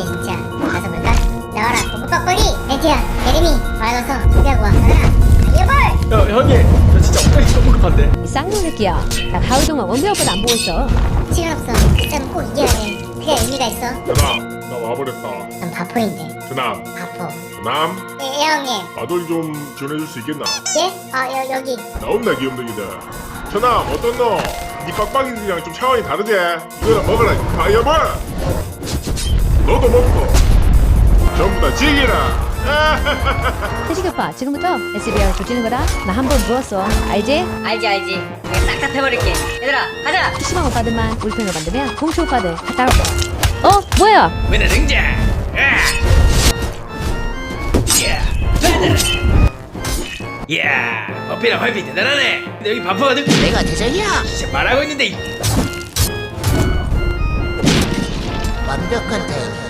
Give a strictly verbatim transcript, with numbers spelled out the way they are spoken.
기대되네 진짜. 가서 볼까? 나와라 뽀뽀빡빡이. 벤티야 예림이 와서 준비하고 와. 가라 다이어볼. 야 형님 저 진짜 엉덩이 너무 급한데. 이 쌍놈 새끼야. 나 하루 동안 원배 오빠도 안 보고 있어. 시간 없어. 싸움 꼭 이겨야 돼. 그게 의미가 있어. 전남 나 와버렸다. 난 바포인데. 전남 바포. 전남 예, 예 형님. 마돌 좀 지원해줄 수 있겠나? 예? 아 여, 여기. 나온다 귀염둥이들. 전남 어떤 너? 네 빡빡이들이랑 좀 차원이 다르지? 이거나 먹어라 다이어볼. 너도 먹고 전부 다 즐기라. 태식 오빠 지금부터 에스비알 조지는 거다. 나 한 번 물었어. 알지? 알지 알지. 내가 싹다 패버릴게. 얘들아 가자. 피시방 오빠들만 우리 편으로 만들면 공초 오빠들 다 따라올 거야. 어? 뭐야? 맨날 등장. 야. 이야 버피랑 활피 대단하네. 근데 여기 바쁘거든. 내가 대장이야. 진짜 말하고 있는데 이- 완벽한 타이밍.